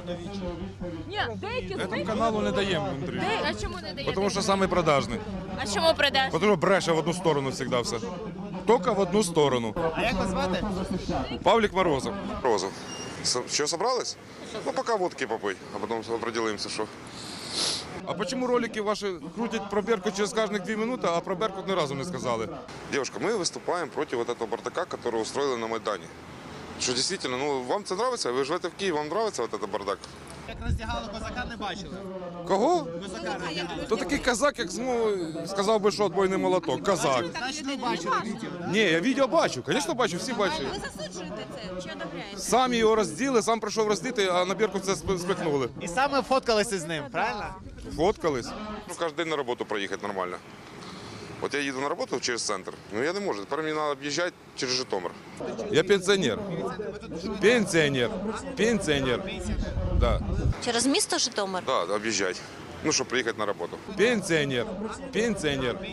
Ні, деякі Этому каналу не даємо інтерв'ю. А чому не даєте? Тому що самий продажний. А чому продаж? Тому що бреше в одну сторону завжди все. Тільки в одну сторону. А як вас звати? Павлік Морозов. Розов. Что, собрались? Ну, пока водки попить, а потом определимся, что. А почему ролики ваши крутять про Беркут через каждых 2 минуты, а про Беркут ни разу не сказали? Девушка, мы выступаем против вот этого бардака, который устроили на Майдане. Что действительно, ну, вам это нравится? Вы живете в Киеве, вам нравится вот этот бардак? Як роздягали козака, не бачили. Кого? Козака роздягали. То такий казак, як сказав би, що отбойний молоток. Казак. Значить, ви бачили відео, так? Ні, я відео бачу, звісно бачу, всі бачать. Ви засуджуєте це чи одобряєте? Самі його розділи, сам прийшов роздіти, а на Беркут це спихнули. І саме фоткалися з ним, правильно? Фоткались. Ну, каждый день на работу проехать нормально. Вот я еду на работу через центр, но я не могу. Теперь мне надо объезжать через Житомир. Я пенсіонер. Пенсіонер. Пенсіонер. Да. Через місто Житомир? Да, объезжать. Ну, чтобы приехать на работу. Пенсіонер. Пенсіонер.